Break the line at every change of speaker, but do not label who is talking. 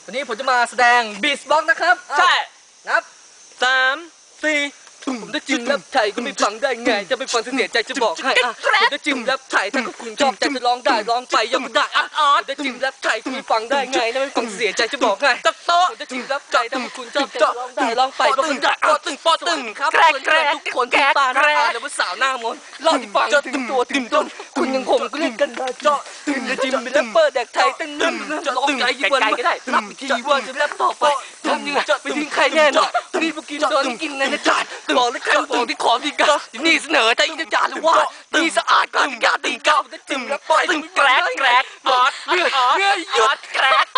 วันนี้ผมจะมาแสดงบีทบ็อกซ์นะครับใช่นับ3 4ผมจะจิ้มแล้วไทยก็ไม่ฟังได้ไงจะไปฟังเสียใจจะบอกให้ผมจะจิ้มแล้วไทยถ้าคุณชอบใจจะร้องได้ร้องไปยังไม่ได้ผมจะจิ้มแล้วไทยก็ไม่ฟังได้ไงถ้าไม่ฟังเสียใจจะบอกให้ผมจะจิ้มแล้วไทยถ้าคุณชอบใจจะร้องได้ร้องไปก็ไม่ได้ปอตึงครับทุกคนที่บ้านหรือว่าสาวหน้ามนเล่าที่ฟังถึงตัวถึงต้นคุณยังคงก็เล่นกันได้เจาะจะจิ้มเป็นแรปเปอร์แดกไทยตั้งนึ่งร้องใจยิ่งวันก็ได้รับทีว่าจะแรปต่อไปทำยังไงไปทิ้งใครแน่นอนนี่พวกกินโดนกินในจานบอกเลยใครบอกที่ขอดีกันนี่เสนอใจยิ่งจะจานหรือว่านี่สะอาดกว่าที่กาตีเก้าจะจิ้มแล้วปล่อยตึงแกรกบอสเนื้อหยุดแกรก